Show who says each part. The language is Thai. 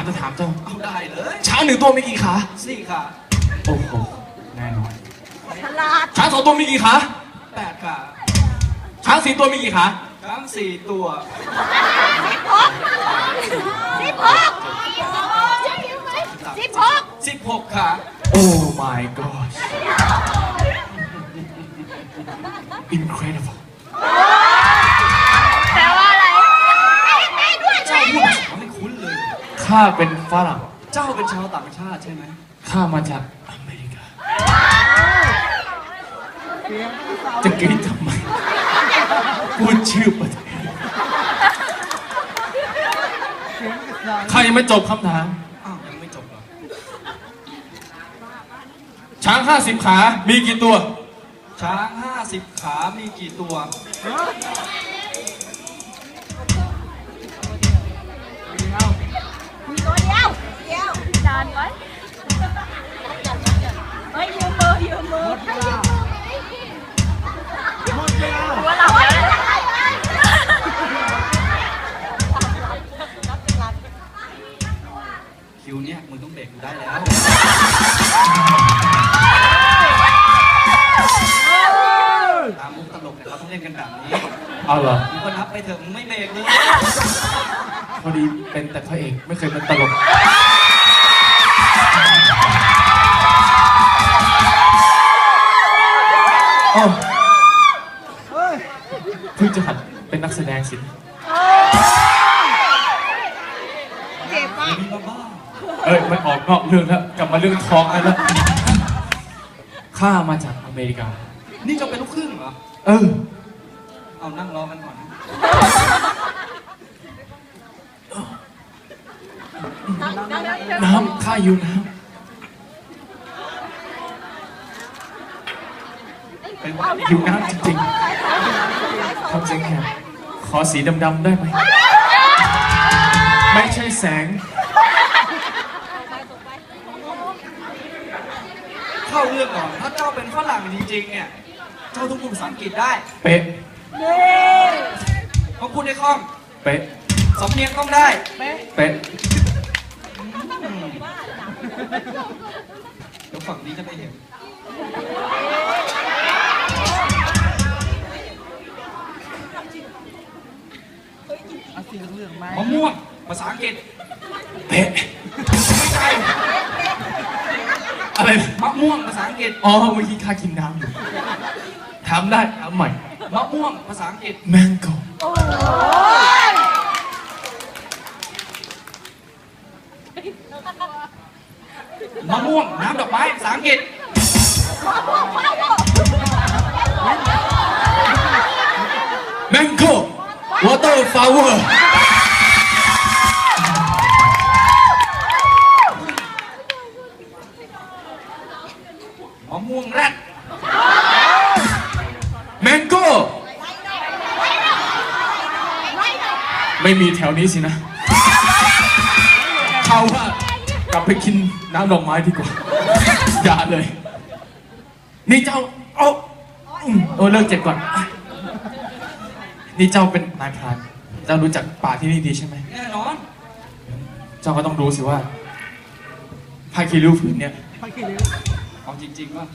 Speaker 1: จะถามเจ้า
Speaker 2: เอาได้เลย
Speaker 1: ช้างหนึ่งตัวมีกี่ขา
Speaker 2: 4 ขา
Speaker 1: โอ้โหแน่นอน
Speaker 3: ฉลาด
Speaker 1: ช้าง2 ตัวมีกี่ขา
Speaker 2: 8 ขา
Speaker 1: ช้าง4 ตัวมีกี่ขา
Speaker 2: ช้าง 4 ตัว 16 ขา
Speaker 1: โอ้ my gosh incredible
Speaker 3: แปลว่าอะไรด้วย
Speaker 2: เจ้าพูดภาษาไม่คุ้นเลย
Speaker 1: ข้าเป็นฝรั่ง
Speaker 2: เจ้าเป็นชาวต่างชาติใช่ไหม
Speaker 1: ข้ามาจากอเมริกา จะกรี๊ดทำไม พูดชื่อประเทศข้ายังไม่จบคำถาม
Speaker 2: อ้าวยังไม่จบเหรอ
Speaker 1: ช้าง50 ขา มีกี่ตัว
Speaker 2: ช้าง50 ขา มีกี่ตัว
Speaker 3: ตัวเดียวจานไว้เฮ้ยยืมมือหัวเราะ
Speaker 2: คิวเนี่ยมึงต้องเบรกกูได้แล้ว ตามมุกตลกเนี่ยเขาต้องเล่นกันแบบนี้
Speaker 1: เอาเหรอ
Speaker 2: มึงก็นับไปเถอะมึงไม่เบรกเลย
Speaker 1: พอดีเป็นแต่พระเอกไม่เคยเป็นตลกโอ้เพิ่งจะหัดเป็นนักแสดงสิ
Speaker 3: เจ็บป่ะ
Speaker 2: มีมาบ้า
Speaker 1: เอ้ย มันออกนอกเรื่องแล้ว กลับมาเรื่องท้องแล้ว ข้ามาจากอเมริกา
Speaker 2: นี่จะเป็นลูกครึ่งเหรอ
Speaker 1: เออ
Speaker 2: เอานั่งรอกันก่อน
Speaker 1: น้ำ ข้าอยู่น้
Speaker 2: ไปว่า
Speaker 1: ำอยู่น้ำจริงๆทำเสียงแหบขอสีดำๆได้ไหม ไม่ใช่แสง
Speaker 2: เข้าเรื่องก่อน ถ้าเจ้าเป็นฝรั่งจริงๆ เนี่ย เจ้าต้องพูดภาษาอังกฤษได้
Speaker 1: เป๊ะ
Speaker 2: ต้องพูดได้คล่อง
Speaker 1: เป๊ะ
Speaker 2: สำเนียงต้องได้
Speaker 1: เป๊ะ
Speaker 2: เดี๋ยวฝั่งนี้จะไม่เห็น มะม่วง ภาษาอังกฤษ
Speaker 1: เป๊ะ
Speaker 2: ไม่ใช่
Speaker 1: อะไร
Speaker 2: มะม่วง ภาษาอังกฤษ
Speaker 1: อ๋อ เมื่อกี้ข้ากินน้ำอยู่ ถามได้ถามใหม่
Speaker 2: มะม่วง ภาษาอังกฤษ
Speaker 1: mango
Speaker 2: มะม่วง น้ำดอกไม้ ภาษาอังกฤษ
Speaker 1: mango water flower
Speaker 2: มะม่วงแรด
Speaker 1: mango ไม่มีแถวนี้สินะเขาว่ากลับไปกินน้ำดอกไม้ดีกว่า อย่าเลย นี่เจ้าโอ้เลิกเจ็บก่อน นี่เจ้าเป็นนายพรานเจ้ารู้จักป่าที่นี่ดีใช่ไหม
Speaker 2: แน่นอน
Speaker 1: เจ้าก็ต้องรู้สิว่าผ้าคีริ้วผืนเนี่ย
Speaker 2: เอาจริงๆว่า